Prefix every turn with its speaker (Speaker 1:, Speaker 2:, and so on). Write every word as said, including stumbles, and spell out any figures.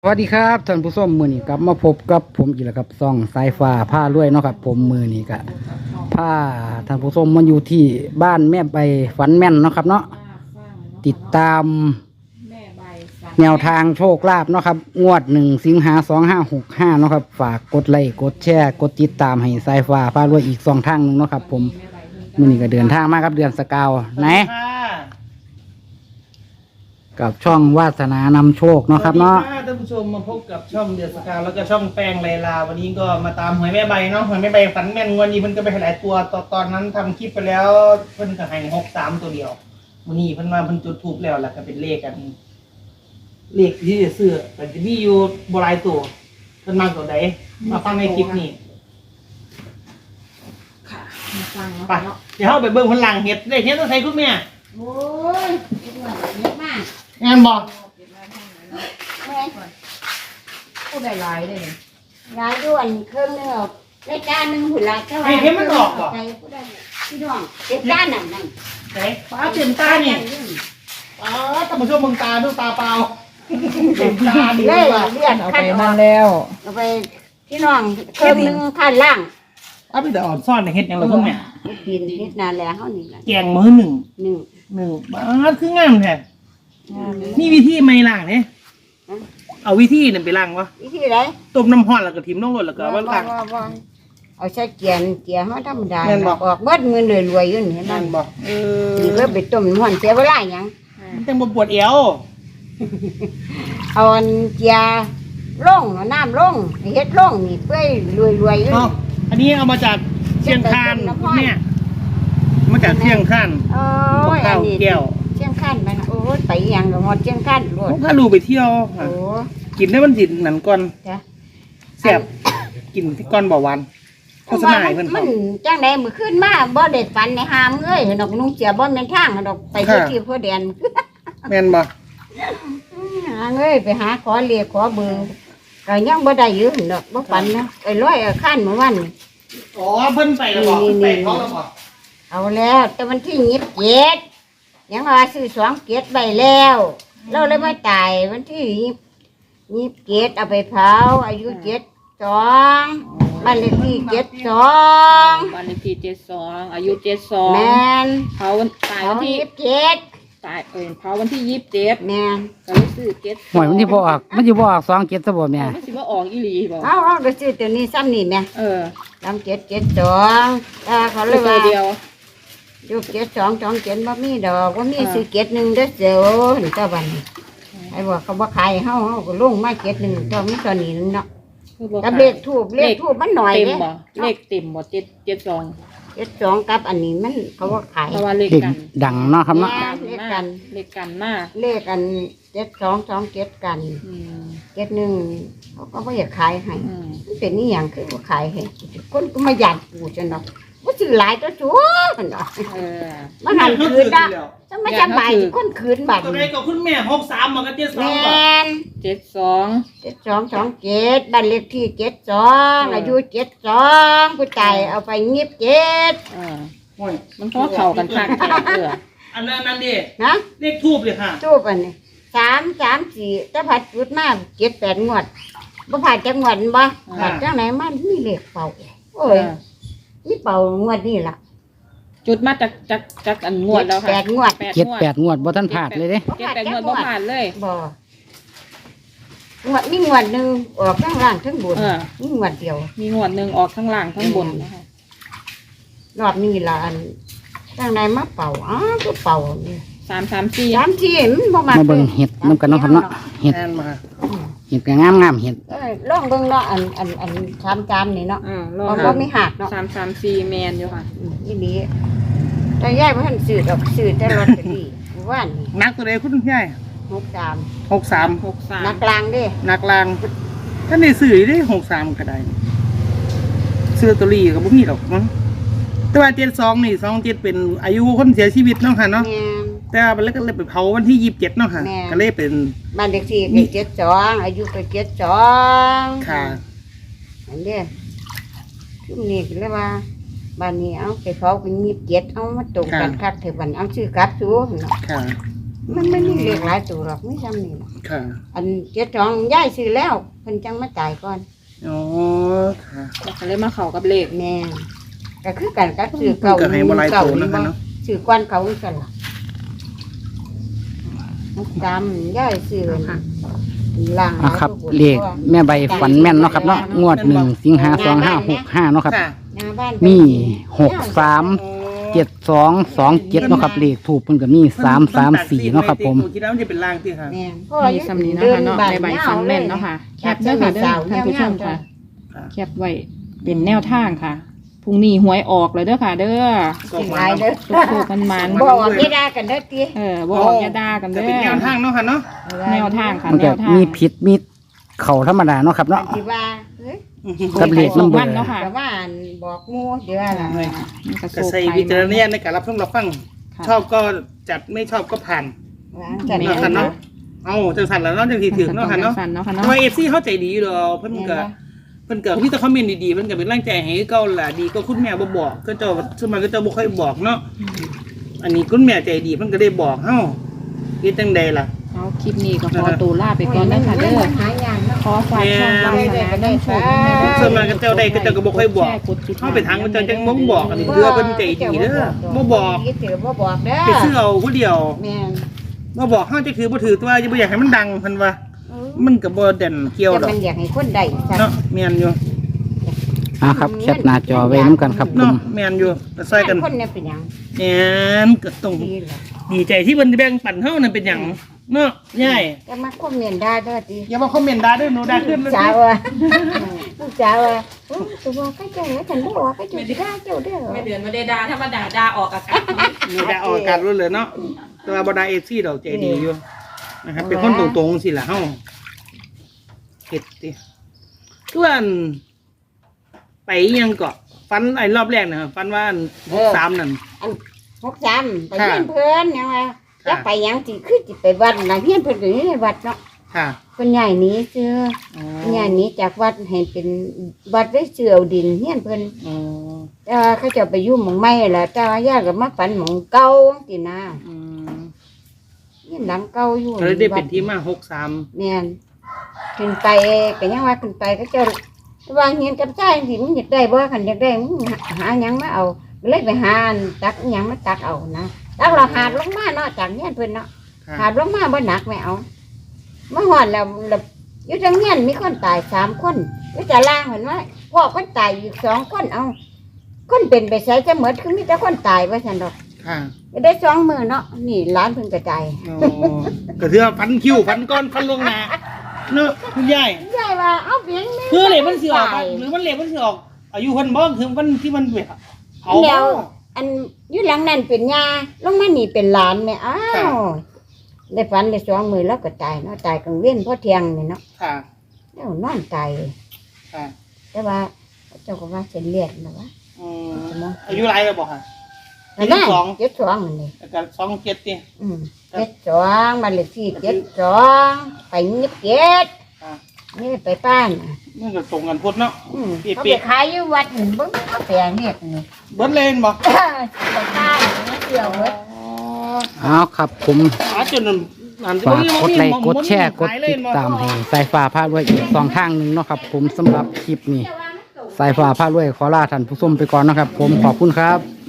Speaker 1: สวัสดีครับท่านผู้ชมมือนี้กลับมาพบกับผมอีกแล้วครับซ่องสายฟ้าผ้าลวยเนาะครับผมมือนี้ก็ผ้าท่านผู้ชมมาอยู่ที่บ้านแม่ใบฝันแม่นเนาะครับเนาะติดตามแนวทางโชคลาภเนาะครับงวดหนึ่งสิงหาสองห้าหกห้าเนาะครับฝากกดไลค์กดแชร์กดติดตามให้สายฟ้าผ้าลวยอีกสองทางหนึงเนาะครับผมมือนี้ก็เดินทางมาครับเดือนสกาวไหนกับช่องวาสนานำโชคเนาะครับเนาะ
Speaker 2: ท่านผู้ชมมาพบกับช่องเดือดสกาวแล้วก็ช่องแป้งไลลาวันนี้ก็มาตามหวยแม่ใบเนาะหวยแม่ใบฝันแม่นวันนี้เพิ่นก็ไปหลายตัวตอนตอนนั้นทำคลิปไปแล้วเพิ่นก็ให้หกสามตัวเดียววันนี้เพิ่นมาเพิ่นจุดทูบแล้วล่ะก็เป็นเลขกันเลขที่จะซื้อแต่จะมีอยู่บหลายตัวเพิ่นมาตัวใดมาฟังในคลิปนี้
Speaker 3: ค่ะมาฟัง
Speaker 2: ไปเดี๋ยวเข้าไปเบิ่งพลังเห็ดได้เห็ดต้องใช้คุณแม่
Speaker 3: โอ้ยเยอะมาก
Speaker 2: งานบอก
Speaker 3: ผู้ใดหลายเลยหลายด้วนเครื่องนึงได้จานหนึ่งหุ่นละเท่าไหร่ใจผู้ใดพี่น้องเจ็ดจานนั่นนั่น
Speaker 2: ไหนป้าเต็มตานี่ป้าท่านผู้ชมมึงตาดูตาเปล่าเต็มตาดีเลย
Speaker 3: เลือด
Speaker 1: เอา
Speaker 3: ขั้
Speaker 1: ไป
Speaker 3: น
Speaker 1: นั่นแล้ว
Speaker 3: เอาไปพี่น้องเครื่องนึงขั้นล่าง
Speaker 2: เอาไปแต่อ่อนซ่อนในเห็ดยังเราคุณแม่
Speaker 3: กินนิดนานแล้วเขานี่แหละ
Speaker 2: แกงมือหนึ่ง
Speaker 3: หนึ่ง
Speaker 2: หนึ่งบ้าคืองามแท้นี่วิธีไม่ล้างเนี่ยเอาวิธีนั่นไปล้างวะ
Speaker 3: วิธีไร
Speaker 2: ต้มน้ำร้อนแล้วก็ทิมลงรถแล้วก็เอามาล้าง
Speaker 3: เอาใช้เกียนเกียร์เขาธรรมดาออกเบิดเงินรวยๆอยู่นี่เห็นไหม
Speaker 2: นั่นบอกเออ
Speaker 3: นี่ก็ไปต้มน้ำมันเสียเวลาอย่าง
Speaker 2: มันจังบ่ปวดเอว
Speaker 3: เอาอันเกียร์ล่งเอาน้ำล่งเฮ็ดล่งนี่เพื่อรวยๆอยู่
Speaker 2: เนาะอันนี้เอามาจากเชียงคานเนี่ยมาจากเชียงคาน
Speaker 3: โอ้ยอั
Speaker 2: ข้าน ว
Speaker 3: นี้
Speaker 2: แก้ว
Speaker 3: เชียงคานไปนะโอ้ยไปอยังกับหมดเชียงคานรวด
Speaker 2: ถ้าลูกไปเที่ยว
Speaker 3: โอ้
Speaker 2: กินได้มันสิหนันก่อน
Speaker 3: จ้ะ
Speaker 2: แซ่บกินที่ก้อนบ่หวานโฆษณาให้เพิ่น
Speaker 3: มันจังได๋มื้อคืนมาบ่ได้ฝันในหามเอ้ยดอกนุ่งเสียบ่แม่นทางดอกไปที่ที่พ่อแดน
Speaker 2: แม่นบ่
Speaker 3: หาเอ้ยไปหาขอเลขขอเบอร์ก็ยังบ่ได้อยู่ดอกบ่ฝันนะไปร้อยเอาคันเมื่อวัน
Speaker 2: อ๋อเพิ่นไปแล้วบ่ไปเขาแล้วบ่
Speaker 3: เอาแล้วแต่วันที่ยี่สิบเจ็ดยังว่าซื้อสองเกตใบแล้วเราเลยไม่ตายวันที่ยี่สิบเจ็ดเอาไปเผาอายุเจ็ดสองบ้านเลขที่เจ็ดสอง
Speaker 4: บ้านเลขที่เจ็ดสองอายุเจ็ดสอง
Speaker 3: แมน
Speaker 4: เผาวันตาย
Speaker 3: เผา
Speaker 4: วันที่
Speaker 3: ยี่สิบเจ็ด
Speaker 4: ตายเออเผาวันที่ยี่สิบเจ็ด
Speaker 3: แมน
Speaker 4: ก็เลยซื้อเจ็ด
Speaker 1: หวยมันที่บออกมันที่บออกสองเจ็ดซะบ่แม่
Speaker 4: ไม่สิว่าออกอีหลีบอก
Speaker 3: เอาเอาไปซื้อตัวนี้ซ้ำนี่แม่
Speaker 4: เออ
Speaker 3: สามเจ็ดเจ็ดสองถ้าเขาเล
Speaker 4: ตั
Speaker 3: ยว ว่า
Speaker 4: เดียว
Speaker 3: ยุบเจ็ดสองสองเจ็ดบ่มีดอกว่ามีซื้อเจ็ดหนึ่งเด้อเสียวเห็นตะวันไอ้บอกเขาบ่ขายเฮาเฮาก็ลงมาเจ็ดหนึ่งตัวมีตัวนี้นึงเนาะ
Speaker 4: คือบอก
Speaker 3: กับเลขทูบเลขทูบมันหน่อย
Speaker 4: เต็ม
Speaker 3: เด้
Speaker 4: บ่เลขเต็มบ่เจ็ดเจ็ดสอง
Speaker 3: เจ็ดสองกับอันนี้มันเขาว่าขาย
Speaker 4: เพราะว่าเลข
Speaker 1: เด็ก
Speaker 4: กัน
Speaker 1: ดังเนาะครับเนาะ
Speaker 3: เลขกัน
Speaker 4: เลขกันมาก
Speaker 3: เลขอันเจ็ดสองสองเจ็ดกัน
Speaker 4: อืม
Speaker 3: เจ็ดหนึ่งเขาก็ไม่อยากขายให้
Speaker 4: อืม
Speaker 3: มันเป็นนี่อย่างคือว่าขายให้คนก็มาหยาดปูจนเนาะว่าซื้อหลายตัวชัวมันเนาะ
Speaker 4: เออ
Speaker 3: มันหันคืนละจะไม่สบายที่คนคืนบัตร
Speaker 2: ตัวใดก็คุณแม่หกสามมันก็เจ็ดส
Speaker 3: แม
Speaker 2: องบ่
Speaker 3: น
Speaker 4: เจ็ดสอง
Speaker 3: เจ็ดสองสองเจ็ดบ้านเลขที่เจ็ดสองอายุเจ็ดสองผู้ตายเอาไปงีบเจ็ด
Speaker 4: เออ
Speaker 2: โอ้ย
Speaker 4: มันพอเข้ากันคักแท้เออ
Speaker 2: อันนั้นนั่นดิ
Speaker 3: นะ
Speaker 2: เลขทูบเลยค่ะ
Speaker 3: ทูบอันนี้สามสามสี่ถ้าผัดจุดมาเจ็ดแปดงวดบ่ผัดจังหวัดบ่ผัดจังไหนมันมีเลขเป่าโอ้ยมีเป่างวดนี่ล่ะ
Speaker 4: จุดมาจากจากจากอันงวดแล้วค่ะ
Speaker 3: แปดงวด
Speaker 1: เจ็ดแปดงวดบ่ทันผาดเลยเด้
Speaker 4: เจ็ดแปดงวดบ่ผ่านเลย
Speaker 3: บ่งวดมีงวดหนึ่งออกทั้งล่างทั้งบน
Speaker 4: เออ
Speaker 3: มีงวดเดียว
Speaker 4: มีงวดหนึ่งออกทั้งล่างทั้งบนนะคะ
Speaker 3: รอบนี้ล่ะอันจังไหนมาเป่าอ้าวก็เป่านี่
Speaker 4: สามสามสี่
Speaker 3: สามที่มันบ่มา
Speaker 1: มาเบิ่งเห็ดนํกันเนาะครับเนาะเห็ด
Speaker 2: แอนมา
Speaker 1: เห็ดก็งามงามๆเห็ด
Speaker 3: เอ้ยลองเบิ่งเนาะอันอันอันชามจานนี่เนาะ
Speaker 4: อ่าล
Speaker 3: บ่
Speaker 4: อง
Speaker 3: บ่มีหักเนาะ
Speaker 4: สามสามสี่แมนอยู่ค่ะ
Speaker 3: อืมอีนี้แต่ยายบ่ทันซื้อดอกซื้อแต่ลอตเตอรี่เมื่อวานนี่
Speaker 2: นักตัวใดคุณยาย
Speaker 3: หกสาม
Speaker 2: หกสาม
Speaker 4: หกสาม
Speaker 3: นักกลางเด้
Speaker 2: นักลางท่านได้ซื้อได้หกสามก็ได้ซื้อตัวรีก็บ่มีหรอกมั้งแต่ว่าเจ็ดสองนี่สองเจ็ดเป็นอายุคนเสียชีวิตเนาะค่ะเนาะ
Speaker 3: แม่น
Speaker 2: แต่ว่ามันก็เลยไปเผาวันที่ยี่สิบเจ็ดเนาะค่ะ
Speaker 3: แม่
Speaker 2: ก็เลยเป็น
Speaker 3: บ้านเลขที่ก็เจ็ดสองอายุก็เจ็ดสอง
Speaker 2: ค่ะ
Speaker 3: อันเด้ช่วงนี้ก็เลยว่าบ้านนี้เอาไปเผาเป็นยี่สิบเจ็ดเอามาตรงกันคักเถอะบัดเอาชื่อกลับสู้เนาะ
Speaker 2: ค่ะ
Speaker 3: มันไม่มีเลขหลายตัวหรอกไม่จำนี่หรอก
Speaker 2: ค่ะ
Speaker 3: อันเจ็ดสองย้ายซื้อแล้วเพิ่นจังมาจ่ายก่อน
Speaker 2: อ๋อค่ะ
Speaker 4: แล้วก็เลยมาเข้ากับเลข
Speaker 3: แม่นก็คือกันก็ซื้อเก่า
Speaker 2: ก็ให้บ่หลายตัวนะคะเนาะ
Speaker 3: ซื้อก้อนเขากันล่ะจำย้ายซื้อล่าง
Speaker 1: อ่ะครับเลขแม่ใบฝันแม่นเนาะครับเนาะงวดหนึ่งสิงหาสองห้าหกห้าเนาะครับ
Speaker 2: ค่ะ
Speaker 3: หน้าบ้าน
Speaker 1: มีหกสามเจ็ดสองสองเจ็ดเนาะครับเลขถูกเพิ่นก็มีสามสามสี่เนาะครับผม
Speaker 2: คิดว่ามันจะเป็นล่างที่ค่ะ
Speaker 3: แม่น
Speaker 4: มีสำนีนะคะเนาะในใบฟันแม่นเนาะค่ะ แคปเด้อค่ะเด้อท่านผู้ชมค่ะ
Speaker 2: ค่ะ
Speaker 4: แคปไว้เป็นแนวทางค่ะพรุ่งนี้หวยออกเลยเด้อค่ะเด้อ
Speaker 3: สิหลายเด้อ
Speaker 4: สุกๆมันมัน
Speaker 3: บ่ออกไม่ได้กันเด้อติ
Speaker 4: เออบ่ออกอย่าด่ากัน
Speaker 2: จะ
Speaker 4: เด้
Speaker 2: เป็นแนว
Speaker 4: อ
Speaker 2: ทางเนาะค่ะเนาะ
Speaker 4: แนวทางค่ะ
Speaker 1: มัน
Speaker 4: แน
Speaker 1: ก็
Speaker 4: วทาง
Speaker 1: มีผิดมีเข่าธรรมดาเนาะครับเนาะ
Speaker 3: สิว่าเฮ้ย
Speaker 1: กับเลขน้ำเบอ
Speaker 4: มัน
Speaker 1: ร์
Speaker 4: เนาะค่ะ
Speaker 3: แต่ว่าอันบอกหมู่เดี๋ยวล่ะ
Speaker 4: มันก็
Speaker 2: ก็
Speaker 4: สุก
Speaker 2: ใส่
Speaker 4: ไป
Speaker 2: วิจารณญาณในการรับชมรับฟัง
Speaker 4: ค่ะ
Speaker 2: ชอบก็จัดไม่ชอบก็ผ่าน
Speaker 3: วางกัน
Speaker 2: เนาะค่ะเนาะเอาจังสันแล้วเนาะจังทีถึงเนาะค่ะเนาะ
Speaker 4: สั่นเนาะค่ะ
Speaker 2: ทำ
Speaker 4: เนาะ
Speaker 2: ไมเอฟซีเข้าใจดีอยู่ดอกเพิ่นก็เพิ่นก็มีแต่คอมเมนต์ดีๆเพิ่นก็เป็นแรงใจให้เก่าล่ะดีก็คุณแม่บ่บอกก็เจ้าสมัยก็เจ้าบ่ค่อยบอกเนาะอันนี้คุณแม่ใจดีเพิ่นก็ได้บอกเฮาเฮ็ดจังใดล่ะ
Speaker 4: เอาคลิปนี้ก็ขอตัวลาไปก่อนนะคะเด้อ
Speaker 3: หายางเนาะ
Speaker 4: ขอฝากช่องวาสนาเรื่องโชค
Speaker 2: ส่วนมากก็เจ้าได้ก็เจ้าก็บ่ค่อยบอกเฮาไปทางก็เจ้าจังบ่บอกอันนี้คือว่าเพิ่นใจดีเด้อบ่บอก
Speaker 3: ถือบ่บอกเด้อ
Speaker 2: ไปซื้อเอาผู้เดียว
Speaker 3: แม่น
Speaker 2: บ่บอกเฮาจะถือบ่ถือตัวอย่าบ่อยากให้มันดังเพิ่นว่า มันก็บ่เด่นเกี่ยวด
Speaker 3: แต่
Speaker 2: อก
Speaker 3: มันอยากให้คนได้ซะ
Speaker 2: เนาะแม่นอยู่
Speaker 1: อ่ะครับแคปหน้าจอไว้น้ำกันครับผ
Speaker 2: เนาะ
Speaker 1: ม
Speaker 2: แม่นอยู่ก็ใส่กัน
Speaker 3: คนเนี่ยเป็นหยัง
Speaker 2: แม่นก็ต้อง
Speaker 3: ดีล่ะ
Speaker 2: ดีใจที่เพิ่นแบ่งปันเฮานั่นเป็นหยังเนาะยาย
Speaker 3: แต่มาคอมเมนต์ด่าเด้อติ
Speaker 2: อย่ามาคอมเมนต์ด่าเด้อหนูด่าขึ้นเลย
Speaker 3: จ้าว่าลูกจ้าว่าตัวบอกก็จังแล้วฉันบ่ว่าก็จังด่าเจ้าเด้อ
Speaker 4: ไม่เดือนไม่ได้ด่าถ้ามาด่าด่าออกอากาศ
Speaker 2: หนูด่าออกอากาศรู้เลยเนาะแต่ว่าบ่ด่า เอฟ ซี ดอกใจดีอยู่นะครับเป็นคนตรงๆสิล่ะเฮาเฮ็ดติคือว่าอันไปยังเกาะฟันไอ้รอบแรกน่ะฟันว่าอันหกสามนั่น
Speaker 3: อันหกสามไปเฮียนเพิ่นยังว่าจะไปหยังสิคือสิไปวัดน่ะเฮียนเพิ่นก็อยู่ในวัดเนาะ
Speaker 2: ค่ะ
Speaker 3: เพิ่นย้ายหนีซื่อ
Speaker 2: อ๋อ
Speaker 3: เพิ่นย้ายหนีจากวัดให้เป็นวัดได้เสือเอาดินเฮียนเพิ่น
Speaker 2: อ๋อ
Speaker 3: แต่ว่าเขาเจะไปอยู่หม่องใหม่ล่ะแต่ว่าญาติก็มาฝันหม่องเก่าตินะ
Speaker 2: อืม
Speaker 3: เฮียนหลังเก่าอยู่
Speaker 2: ก็เลยได้เป็นที่มาหกสาม
Speaker 3: แม่นขึ้นไปก็ยังว่าขึ้นไปก็เจ้าว่าเฮียนกับชายสิมึงอยากได้บ่คันอยากได้มึงหาหยังมาเอาก็เลยไปหาอันตักอิหยังมาตักเอานะตักเราหาดลงมาเนาะจากเฮียนเพิ่นเนาะ
Speaker 2: ค่ะ
Speaker 3: หาดลงมาบ่หนักไม่เอามาหอดแล้วแล้วอยู่ทางเฮียนมีคนตายสามคนอยู่แต่ล่างเห็นว่าพ่อคนตายอีกสองคนเอาคนเป็นไปใช้จะเหมือนคือมีแต่คนตายว่าฉันดอก
Speaker 2: ค่ะ
Speaker 3: ก็ได้สองมือเนาะนี่ร้านเพิ่งกระจาย
Speaker 2: อ๋อก็ถือว่าฟันคิ้วฟันก้อนฟันลงหนาเนาะคุณยาย
Speaker 3: ยายว่าเอาเพียงนี้
Speaker 2: เพื่อเหล็มันสิออกหรือมันเหล็มันสิออกอายุคนบ่คือวันที่มันแบบเอา
Speaker 3: เดี๋ยวอันอยู่หลังนั้นเป็นยาลงมานี่เป็นหลานแม่อ้าวได้ฝันได้สองมือแล้วก็ตายเนาะตายกลางเว้นเพราะเที่ยงนี่เนาะ
Speaker 2: ค่ะ
Speaker 3: แล้วนอนตายเลย
Speaker 2: ค่ะ
Speaker 3: แต่ว่าเจ้าก็ว่าเส้นเลือดนะวะ
Speaker 2: อืมอายุไรแล้วบอกค่ะ
Speaker 3: นั่นน่ะ
Speaker 2: เจ็ดสอง
Speaker 3: เจ็ดสองนั่นนี่
Speaker 2: แล้วก็สองเจ็ดเนี่ย
Speaker 3: อืมเจ็ดสองบ้านเลขที่เจ็ดสองไปยิบเจ็ด
Speaker 2: ค่ะ
Speaker 3: นี่ไปป้านน่ะ
Speaker 2: มันก็ตรงกันพุทธเนาะ
Speaker 3: อืม
Speaker 2: เปียกๆ
Speaker 3: เขาไปขายอยู่วัดหนึ่งบึ้งเขาแปลงเนี่ยนี่
Speaker 2: เบิดเลนบอก
Speaker 3: ไปป้านมาเที่ยวเว้ย
Speaker 1: เอาครับผม
Speaker 2: หาจนนั่น
Speaker 1: ฝากกดไลค์กดแชร์กดติดตามให้สายฟ้าพารวยอีกสองทางหนึ่งเนาะครับผมสำหรับคลิปนี้สายฟ้าพารวยขอลาท่านผู้ชมไปก่อนนะครับ ผมขอบคุณครับ